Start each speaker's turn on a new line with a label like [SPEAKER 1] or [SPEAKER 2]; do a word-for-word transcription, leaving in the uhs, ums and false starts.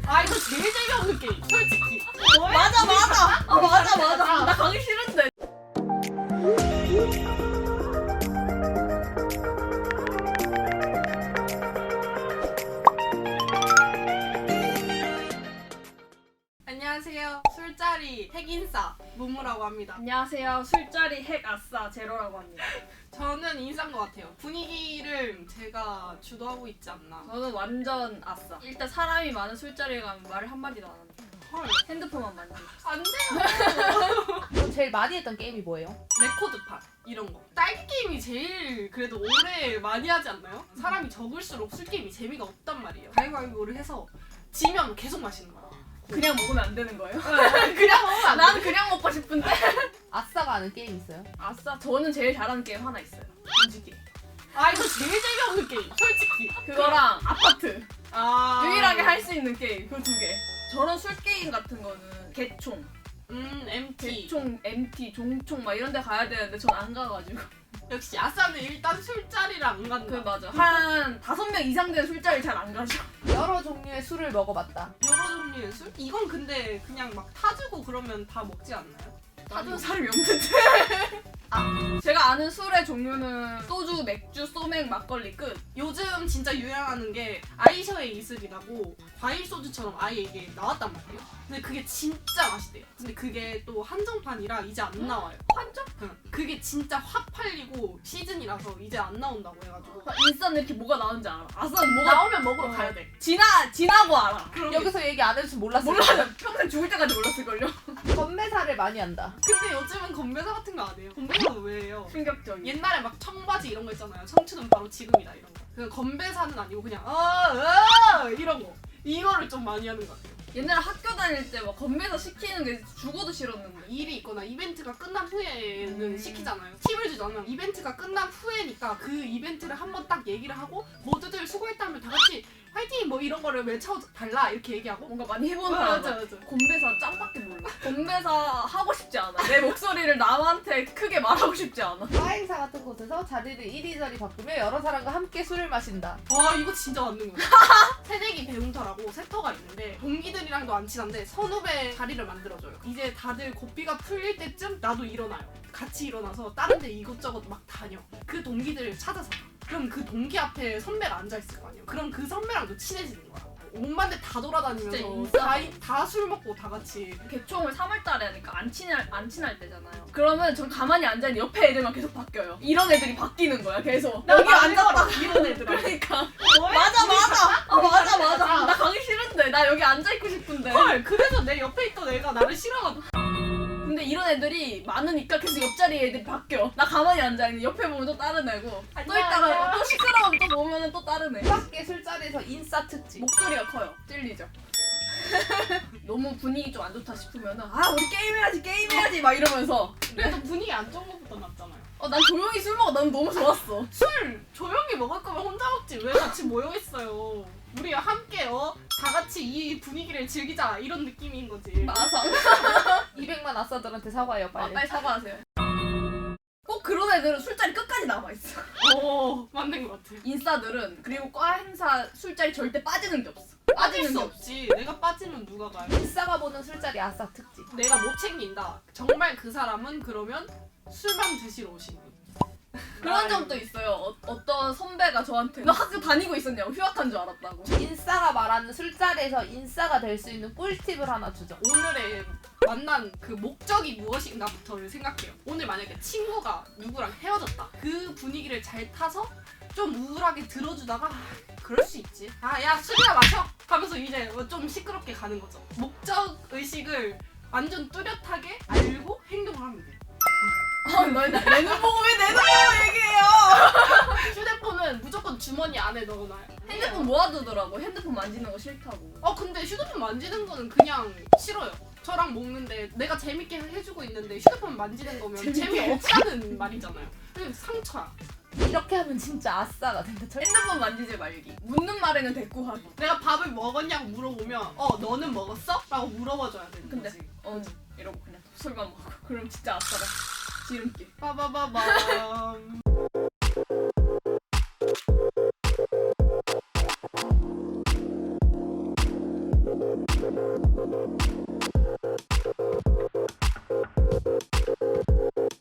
[SPEAKER 1] 아 이거 제일 재미없는 게임 솔직히.
[SPEAKER 2] 맞아 맞아. 어, 맞아 맞아. 나 가기 싫은데.
[SPEAKER 1] 안녕하세요. 술자리 핵인싸 무무라고 합니다.
[SPEAKER 2] 안녕하세요. 술자리 핵 아싸 제로라고 합니다.
[SPEAKER 1] 저는 인싸인 것 같아요. 분위기를 제가 주도하고 있지 않나.
[SPEAKER 2] 저는 완전 아싸. 일단 사람이 많은 술자리에 가면 말을 한마디도 안 합니다.
[SPEAKER 1] 헐.
[SPEAKER 2] 핸드폰만 만지고.
[SPEAKER 1] 안 돼요.
[SPEAKER 3] 그럼 제일 많이 했던 게임이 뭐예요?
[SPEAKER 1] 레코드판 이런 거. 딸기 게임이 제일 그래도 오래 많이 하지 않나요? 사람이 적을수록 술 게임이 재미가 없단 말이에요. 가위바위보를 해서 지면 계속 마시는 거야.
[SPEAKER 2] 그냥 먹으면 안 되는 거예요?
[SPEAKER 1] 그냥 먹으면 안 돼.
[SPEAKER 2] 난 그냥 먹고 싶은데.
[SPEAKER 3] 아싸가 아는 게임 있어요?
[SPEAKER 2] 아싸. 저는 제일 잘하는 게임 하나 있어요. 문지기.
[SPEAKER 1] 아 이거 제일 재미없는 게임 솔직히.
[SPEAKER 2] 그거랑 아파트.
[SPEAKER 1] 아
[SPEAKER 2] 유일하게 할 수 있는 게임 그 두 개. 저런 술 게임 같은 거는 개총,
[SPEAKER 1] 음 엠티.
[SPEAKER 2] 개총, 엠티, 종총 막 이런 데 가야 되는데 전 안 가가지고.
[SPEAKER 1] 역시 아싸는 일단 술자리를 안 간다.
[SPEAKER 2] 그 맞아. 한 다섯 명 이상 된 술자리 잘 안 가죠.
[SPEAKER 3] 여러 종류의 술을 먹어봤다.
[SPEAKER 1] 여러 종류의 술? 이건 근데 그냥 막 타주고 그러면 다 먹지 않나요?
[SPEAKER 2] 사준 사람이 없는데. 아, 제가 아는 술의 종류는 소주, 맥주, 소맥, 막걸리 끝.
[SPEAKER 1] 요즘 진짜 유행하는 게 아이셔의 이슬이라고 과일 소주처럼 아예 이게 나왔단 말이에요. 근데 그게 진짜 맛있대요. 근데 그게 또 한정판이라 이제 안 나와요.
[SPEAKER 2] 환정?
[SPEAKER 1] 응. 그게 진짜 확 팔리고 시즌이라서 이제 안 나온다고 해가지고
[SPEAKER 2] 인싸는 이렇게 뭐가 나오는지 알아. 아싸는 뭐가
[SPEAKER 1] 나오면 먹으러
[SPEAKER 2] 어.
[SPEAKER 1] 가야 돼.
[SPEAKER 2] 지나 지나고 알아.
[SPEAKER 1] 그럼
[SPEAKER 3] 여기서 얘기 안 해줄 줄 몰랐어요.
[SPEAKER 2] 몰라요. 평생 죽을 때까지 몰랐을걸요.
[SPEAKER 3] 건매사를 많이 한다.
[SPEAKER 1] 근데 요즘은 건배사 같은 거 안 해요. 건배사는 왜 해요?
[SPEAKER 2] 충격적인.
[SPEAKER 1] 옛날에 막 청바지 이런 거 있잖아요. 청춘은 바로 지금이다 이런 거. 그 건배사는 아니고 그냥 어어 이런 거. 이거를 좀 많이 하는 것 같아요.
[SPEAKER 2] 옛날에 학교 다닐 때 막 건배사 시키는 게 죽어도 싫었는데.
[SPEAKER 1] 일이 있거나 이벤트가 끝난 후에는
[SPEAKER 2] 음.
[SPEAKER 1] 시키잖아요. 팁을 주잖아요. 이벤트가 끝난 후에니까 그 이벤트를 한번 딱 얘기를 하고 모두들 수고했다면 다 같이 화이팅 뭐 이런 거를 외쳐달라 이렇게 얘기하고
[SPEAKER 2] 뭔가 많이 해본
[SPEAKER 1] 맞아
[SPEAKER 2] 사람.
[SPEAKER 1] 맞아.
[SPEAKER 2] 건배사 짱밖에 몰라. 건배사 하고 싶지 않아. 내 목소리를 남한테 크게 말하고 싶지 않아.
[SPEAKER 3] 바 행사 같은 곳에서 자리를 이리저리 바꾸며 여러 사람과 함께 술을 마신다.
[SPEAKER 1] 와 이거 진짜 맞는 거야. 새내기 배움터라고 세터가 있는데 동기들이랑도 안 친한데 선후배 자리를 만들어줘요. 이제 다들 고삐가 풀릴 때쯤 나도 일어나요. 같이 일어나서 다른 데 이것저것 막 다녀. 그 동기들을 찾아서 가. 그럼 그 동기 앞에 선배가 앉아있을 거 아니에요. 그럼 그 선배랑도 친해지는 거야. 온만 데 다
[SPEAKER 2] 진짜
[SPEAKER 1] 돌아다니면서
[SPEAKER 2] 인싸.
[SPEAKER 1] 다 술 먹고 다 같이.
[SPEAKER 2] 개총을 삼월 달에 하니까 안 친할 안 친할 때잖아요. 그러면 전 가만히 앉아 있는 옆에 애들만 계속 바뀌어요. 이런 애들이 바뀌는 거야 계속. 여기 앉았다.
[SPEAKER 1] 이런 애들아.
[SPEAKER 2] 그러니까 맞아 맞아. 어, 맞아 맞아. 나 가기 싫은데 나 여기 앉아 있고 싶은데.
[SPEAKER 1] 헐 그래서 내 옆에 있던 애가 나를 싫어가지고.
[SPEAKER 2] 근데 이런 애들이 많으니까 계속 옆자리 애들이 바뀌어. 나 가만히 앉아 있는 옆에 보면 또 다른 애고 또
[SPEAKER 1] 안녕,
[SPEAKER 2] 있다가
[SPEAKER 1] 안녕.
[SPEAKER 2] 또 시끄러우면 또 보면은 또 다른 애.
[SPEAKER 3] 밖에 술자리에서 인싸 특집.
[SPEAKER 2] 목소리가 커요. 찔리죠. 너무 분위기 좀 안 좋다 싶으면은 아 우리 게임해야지 게임해야지 막 이러면서
[SPEAKER 1] 그래도 분위기 안 좋은 것부터 낫잖아요.
[SPEAKER 2] 어 난 조용히 술 먹어. 난 너무 좋았어.
[SPEAKER 1] 술 조용히 먹을 거면 혼자 먹지 왜 같이 모여 있어요? 우리 함께 어? 다 같이 이 분위기를 즐기자 이런 느낌인 거지.
[SPEAKER 2] 마상.
[SPEAKER 3] 이백만 아싸들한테 사과해요
[SPEAKER 2] 아,
[SPEAKER 3] 빨리.
[SPEAKER 2] 빨리 사과하세요. 꼭 그런 애들은 술자리 끝까지 남아있어.
[SPEAKER 1] 오 맞는 것 같아.
[SPEAKER 2] 인싸들은 그리고 과 행사 술자리 절대 빠지는 게 없어.
[SPEAKER 1] 빠질
[SPEAKER 2] 빠지는
[SPEAKER 1] 수
[SPEAKER 2] 게 없어.
[SPEAKER 1] 없지. 내가 빠지면 누가 가요?
[SPEAKER 3] 인싸가 보는 술자리 아싸 특집.
[SPEAKER 1] 내가 못 챙긴다. 정말 그 사람은 그러면 술만 드시러 오시는.
[SPEAKER 2] 그런 점도 있어요. 어, 어떤 선배가 저한테 너 학교 다니고 있었냐고 휴학한 줄 알았다고.
[SPEAKER 3] 인싸가 말하는 술자리에서 인싸가 될 수 있는 꿀팁을 하나 주죠.
[SPEAKER 1] 오늘의 만난 그 목적이 무엇인가부터를 생각해요. 오늘 만약에 친구가 누구랑 헤어졌다. 그 분위기를 잘 타서 좀 우울하게 들어주다가 아, 그럴 수 있지. 아 야 술이나 마셔 하면서 이제 좀 시끄럽게 가는 거죠. 목적 의식을 완전 뚜렷하게 알고 행동을 하면 돼.
[SPEAKER 2] 아, 너내 눈 보고 왜 내 눈 보고 얘기해요?
[SPEAKER 1] 휴대폰은 무조건 주머니 안에 넣어놔요.
[SPEAKER 2] 핸드폰 모아두더라고. 핸드폰 만지는 거 싫다고.
[SPEAKER 1] 어 근데 휴대폰 만지는 거는 그냥 싫어요. 저랑 먹는데 내가 재밌게 해주고 있는데 휴대폰 만지는 거면
[SPEAKER 2] 재밌게
[SPEAKER 1] 재미없다는 말이잖아요. 그냥 상처야.
[SPEAKER 3] 이렇게 하면 진짜 아싸가 된다. 절-
[SPEAKER 2] 핸드폰 만지지 말기. 묻는 말에는 대꾸하기.
[SPEAKER 1] 내가 밥을 먹었냐고 물어보면 어 너는 먹었어? 라고 물어봐줘야 되는
[SPEAKER 2] 근데
[SPEAKER 1] 거지.
[SPEAKER 2] 어 이러고 그냥 술만 먹고. 그럼 진짜 아싸다. 지름길.
[SPEAKER 1] 빠바바밤
[SPEAKER 3] 음.